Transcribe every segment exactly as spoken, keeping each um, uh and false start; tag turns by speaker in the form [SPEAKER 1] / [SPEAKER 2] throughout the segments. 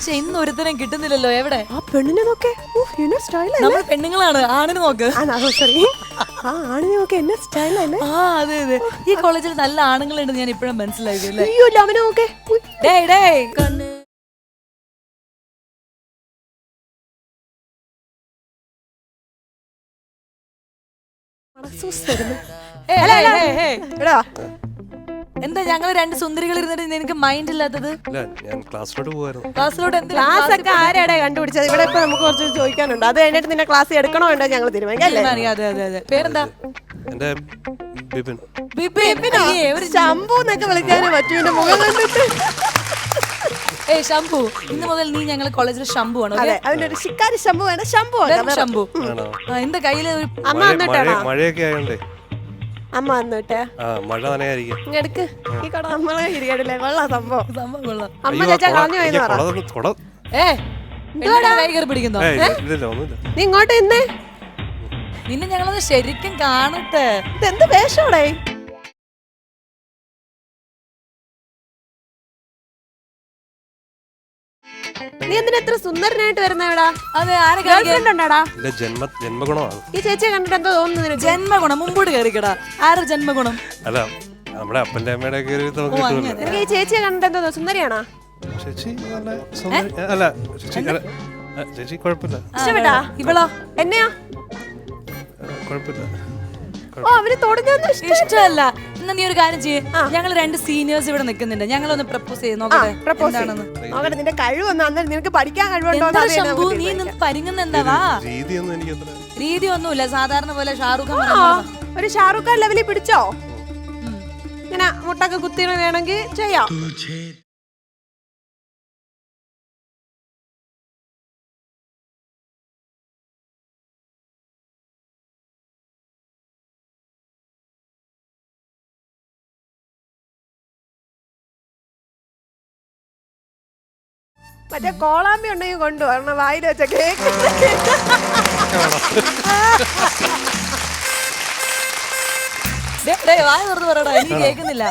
[SPEAKER 1] പക്ഷെ ഇന്ന് ഒരുത്തരം കിട്ടുന്നില്ലല്ലോ. എവിടെ
[SPEAKER 2] ആ പെണ്ണിനെ നോക്കേ,
[SPEAKER 1] നമ്മൾ പെണ്ണുങ്ങളാണ്. ആണിന് നോക്ക്.
[SPEAKER 2] ആ ആണിനെ നോക്കെ എന്നെ സ്റ്റൈലല്ലേ.
[SPEAKER 1] ആ അതെ അതെ, ഈ കോളേജിൽ നല്ല ആണുങ്ങളുണ്ട്. ഞാൻ ഇപ്പഴും മനസ്സിലാക്കി.
[SPEAKER 2] അയ്യോ അവനെ നോക്കേ.
[SPEAKER 1] ഡേയ് ഡേയ് എന്താ ഞങ്ങള് രണ്ട് സുന്ദരികൾ ഇരുന്നിട്ട് നിനക്ക് മൈൻഡ് ഇല്ലാത്തത്? ക്ലാസ്സിലോട്ട്
[SPEAKER 2] ക്ലാസ് ഒക്കെ ആരാടെ കണ്ടുപിടിച്ചത്? ഇവിടെ ഇപ്പൊ നമുക്ക് കുറച്ച് ചോദിക്കാനുണ്ട്. അത് കഴിഞ്ഞിട്ട് നിന്നെ ക്ലാസ് എടുക്കണോ വേണ്ടോ ഞങ്ങൾ തീരുമാനിക്കാം.
[SPEAKER 1] അതെ അതെ അതെ. പേരെന്താ?
[SPEAKER 2] ശംഭു എന്നൊക്കെ വിളിക്കാനേ പറ്റൂ. എന്റെ മുഖം കണ്ടിട്ട്.
[SPEAKER 1] ഏ ശംഭു, ഇന്ന് മുതൽ നീ ഞങ്ങൾ കോളേജിൽ ശംഭു ആണ്.
[SPEAKER 2] അതെ, അതിന്റെ ഒരു ശിക്കാരി ശംഭു വേണം. ശംഭു
[SPEAKER 1] ശംഭു. എന്റെ കയ്യില്
[SPEAKER 2] അമ്മ വന്നിട്ടാണോ?
[SPEAKER 3] മഴയൊക്കെ ആയോണ്ടേ
[SPEAKER 2] അമ്മ വന്നിട്ട്
[SPEAKER 3] മഴ നനയായിരിക്കും.
[SPEAKER 2] എടുക്ക് ഈ കട നമ്മളെ ഇരിക്കടില്ലേ. കൊള്ളാം സംഭവം.
[SPEAKER 1] സംഭവം കൊള്ളാം.
[SPEAKER 2] അമ്മ ചേച്ചാ കളഞ്ഞു പോയെന്ന്
[SPEAKER 1] ഏ കൈ കയറി പിടിക്കുന്നോ?
[SPEAKER 2] നീ ഇങ്ങോട്ട് ഇന്നേ.
[SPEAKER 1] നിന്നെ ഞങ്ങളത് ശരിക്കും കാണട്ടെ.
[SPEAKER 2] ഇതെന്ത് വേഷോടെ? നീ എന്തിനാ എത്ര സുന്ദരനായിട്ട് വരുന്നേടാ?
[SPEAKER 1] അതെ, ആരെ
[SPEAKER 2] ഗേൾഫ്രണ്ടാടാ?
[SPEAKER 3] ജന്മഗുണമാണ്.
[SPEAKER 2] ഈ ചേച്ചിയെ കണ്ടിട്ട് എന്തോ തോന്നുന്നു നിനക്ക്?
[SPEAKER 1] ജന്മഗുണം. മുമ്പോട്ട് കയറിക്കടാ. ആരുടെ ജന്മഗുണം?
[SPEAKER 3] അല്ല, നമ്മുടെ അപ്പന്റെ അമ്മയുടെ ഒക്കെ ഒരു
[SPEAKER 2] നിനക്ക് ഈ ചേച്ചിയെ കണ്ടിട്ട് എന്തോ സുന്ദരിയാണോ?
[SPEAKER 3] ചേച്ചി അല്ല ചേച്ചി അല്ല ചേച്ചി കുഴപ്പമില്ല.
[SPEAKER 2] ഇഷ്ടപ്പെട്ടാ?
[SPEAKER 1] ഇവളോ?
[SPEAKER 2] എന്നെയാ?
[SPEAKER 3] കുഴപ്പമില്ല.
[SPEAKER 2] ഓ അവര് തൊടുന്ന
[SPEAKER 1] ഇഷ്ടമല്ല. എന്നാ നീ ഒരു കാര്യം ചെയ്യേ, ഞങ്ങൾ രണ്ട് സീനിയേഴ്സ് ഇവിടെ നിൽക്കുന്നുണ്ട്. ഞങ്ങളൊന്ന് പ്രപ്പോസ് ചെയ്ത് നോക്കട്ടെ.
[SPEAKER 2] നോക്കട്ടെ നിന്റെ കഴിവൊന്നും. അന്നേരം നിനക്ക് പഠിക്കാൻ കഴിവുണ്ടോ?
[SPEAKER 1] നീ നിന്ന് പരിങ്ങുന്ന എന്താവാ? രീതി ഒന്നുമില്ല, സാധാരണ പോലെ ഷാറുഖ് ഖാൻ.
[SPEAKER 2] ഒരു ഷാറുഖ് ഖാൻ ലെവലിൽ പിടിച്ചോ? ഇങ്ങനെ മുട്ടൊക്കെ കുത്തി വേണമെങ്കിൽ ചെയ്യാം. മറ്റേ കോളാമ്പി ഉണ്ടെങ്കിൽ കൊണ്ടുവരണം. വായിൽ വെച്ച കേക്ക്.
[SPEAKER 1] വായ തുറന്ന് പറയടാ, എനിക്ക് കേൾക്കുന്നില്ല.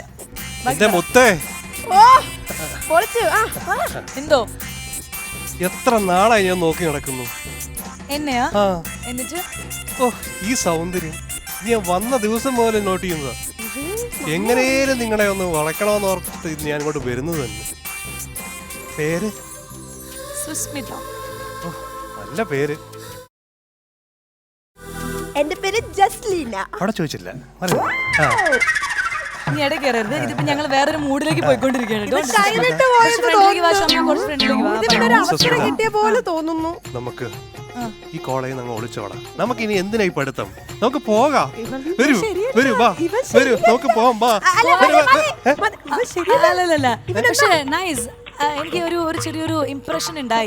[SPEAKER 2] ഓ പൊളിച്ചു.
[SPEAKER 1] എന്തോ
[SPEAKER 3] എത്ര നാളായി ഞാൻ നോക്കി നടക്കുന്നു.
[SPEAKER 1] എന്നെയാ? എന്നിട്ട്
[SPEAKER 3] ഓ ഈ സൗന്ദര്യം ഞാൻ വന്ന ദിവസം മുതൽ നോട്ട് ചെയ്യുന്നതാ. എങ്ങനെയും നിങ്ങളെ ഒന്ന് വളയ്ക്കണമെന്ന് ഓർത്ത് ഞാൻ ഇങ്ങോട്ട് വരുന്നത് തന്നെ. പേര്
[SPEAKER 1] സുസ്മിത.
[SPEAKER 3] നല്ല പേര്.
[SPEAKER 2] എന്റെ പേര് ജസ്ലീന.
[SPEAKER 3] അവിടെ ചോദിച്ചില്ല.
[SPEAKER 1] നീ ഇടയ്ക്ക് കയറരുത്. ഇതിപ്പോ ഞങ്ങൾ വേറൊരു മൂഡിലേക്ക് പോയിക്കൊണ്ടിരിക്കുകയാണ്.
[SPEAKER 2] കിട്ടിയ പോലെ തോന്നുന്നു.
[SPEAKER 3] നമുക്ക് ഈ കോളേജിൽ നമ്മൾ ഒളിച്ചോടാം. നമുക്ക് ഇനി എന്തിനായി പഠിത്തം? നമുക്ക് പോകാം. വരൂ വരൂ വാ വരൂ നമുക്ക് പോവാം. വാ.
[SPEAKER 1] അല്ലല്ല, പക്ഷേ നൈസ്. എനിക്ക് ഒരു ഒരു ചെറിയൊരു ഇംപ്രഷൻ ഉണ്ടായി.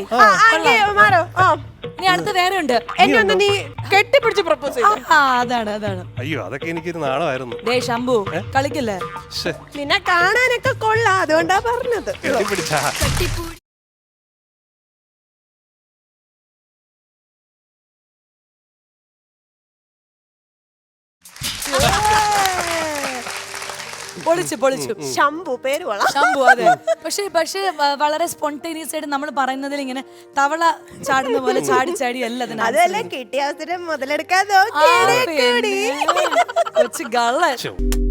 [SPEAKER 1] ഇനി അടുത്ത് വേറെ ഉണ്ട്.
[SPEAKER 2] നീ കെട്ടിപ്പിടിച്ച് പ്രപ്പോസ് ചെയ്തു.
[SPEAKER 1] അതാണ് അതാണ്.
[SPEAKER 3] അയ്യോ അതൊക്കെ എനിക്കൊരു നാളമായിരുന്നു.
[SPEAKER 1] ഡേ ശംഭു, കളിക്കല്ലേ.
[SPEAKER 2] നിന്നെ കാണാനൊക്കെ കൊള്ളാം, അതുകൊണ്ടാ പറഞ്ഞത്.
[SPEAKER 3] കെട്ടിപ്പിടിച്ചാ
[SPEAKER 1] പൊളിച്ചു പൊളിച്ചു.
[SPEAKER 2] ശംഭു പേര്
[SPEAKER 1] ശംഭു. അതെ, പക്ഷെ പക്ഷെ വളരെ സ്പോണ്ടേനിയസ് ആയിട്ട് നമ്മൾ പറയുന്നതിൽ ഇങ്ങനെ തവള ചാടുന്ന പോലെ ചാടി ചാടി അല്ല.
[SPEAKER 2] അതല്ലേ കിട്ടിയ അവസരം മുതലെടുക്കാൻ
[SPEAKER 1] കൊച്ചു ഗള്ള.